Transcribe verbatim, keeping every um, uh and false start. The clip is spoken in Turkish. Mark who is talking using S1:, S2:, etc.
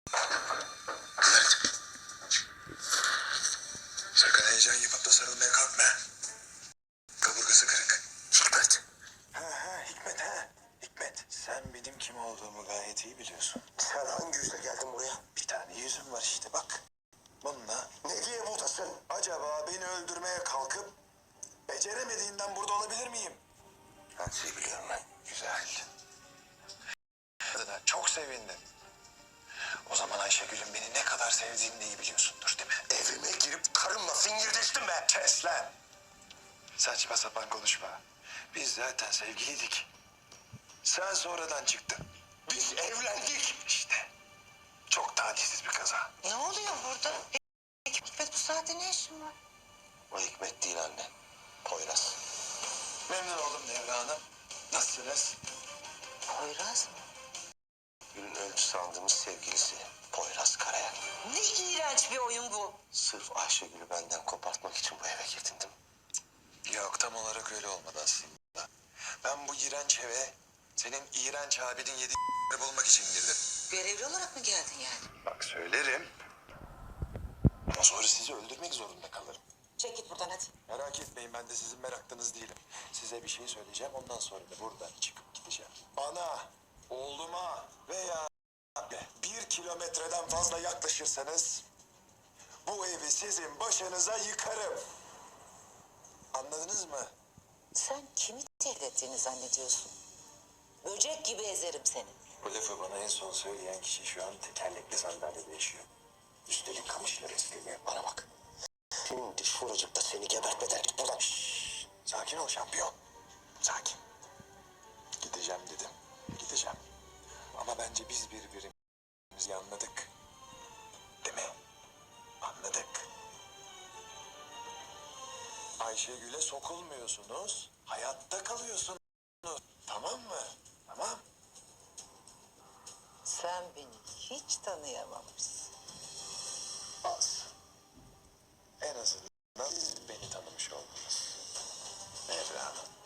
S1: Evet. Sakın heyecan yapıp da sarılmaya kalkma. Kaburgası kırık. Hikmet. Ha ha Hikmet ha. Hikmet, sen benim kim olduğumu gayet iyi biliyorsun.
S2: Sen hangi yüzle geldin buraya?
S1: Bir tane yüzüm var işte bak. Bununla
S2: Ne diye buradasın?
S1: acaba beni öldürmeye kalkıp beceremediğinden burada olabilir miyim?
S2: Her şeyi biliyorum ben.
S1: Güzel. Adına çok sevindim. O zaman Ayşegül'ün beni ne kadar sevdiğini de iyi biliyorsundur değil mi?
S2: Evime girip karımla fingirdeştin be.
S1: Kes lan! Saçma sapan konuşma. Biz zaten sevgiliydik. Sen sonradan çıktın.
S2: Biz evlendik.
S1: İşte. Çok talihsiz bir kaza.
S3: Ne oluyor burada? Hikmet bu saatte ne işin var?
S2: O Hikmet değil anne. Poyraz.
S1: Memnun oldum Devra Hanım. Nasılsınız?
S3: Poyraz mı?
S2: Gül'ün öldü sandığımız sevgilisi. Poyraz Karayel.
S3: Ne iğrenç bir oyun bu.
S2: Sırf Ayşegül'ü benden kopartmak için bu eve girdin değil mi?
S1: Yok tam olarak öyle olmadı aslında. Ben bu iğrenç eve senin iğrenç abinin yediği bulmak için girdim.
S3: Görevli olarak mı geldin yani?
S1: Bak söylerim. Ama sonra sizi öldürmek zorunda kalırım.
S3: Çek git buradan hadi.
S1: Merak etmeyin ben de sizin meraklınız değilim. Size bir şey söyleyeceğim ondan sonra da buradan çıkıp gideceğim. Bana, oğluma veya bir kilometreden fazla yaklaşırsanız bu evi sizin başınıza yıkarım. Anladınız mı?
S3: Sen kimi tehdit ettiğini zannediyorsun? Böcek gibi ezerim seni.
S1: Bu lafı bana en son söyleyen kişi şu an tekerlekli sandalyede yaşıyor. Üstelik kamışları istemiyor.
S2: Bana bak. Şimdi şuracıkta seni gebertmeden git buradan.
S1: Şşş, sakin ol şampiyon. Sakin. Gideceğim dedim. Gideceğim. Ama bence biz birbirimizi anladık. Değil mi? Anladık. Ayşegül'e sokulmuyorsunuz. Hayatta kalıyorsunuz. Tamam mı? Tamam.
S3: Sen beni hiç tanıyamamışsın.
S1: Az. En azından beni tanımış oldunuz. Nevra Hanım.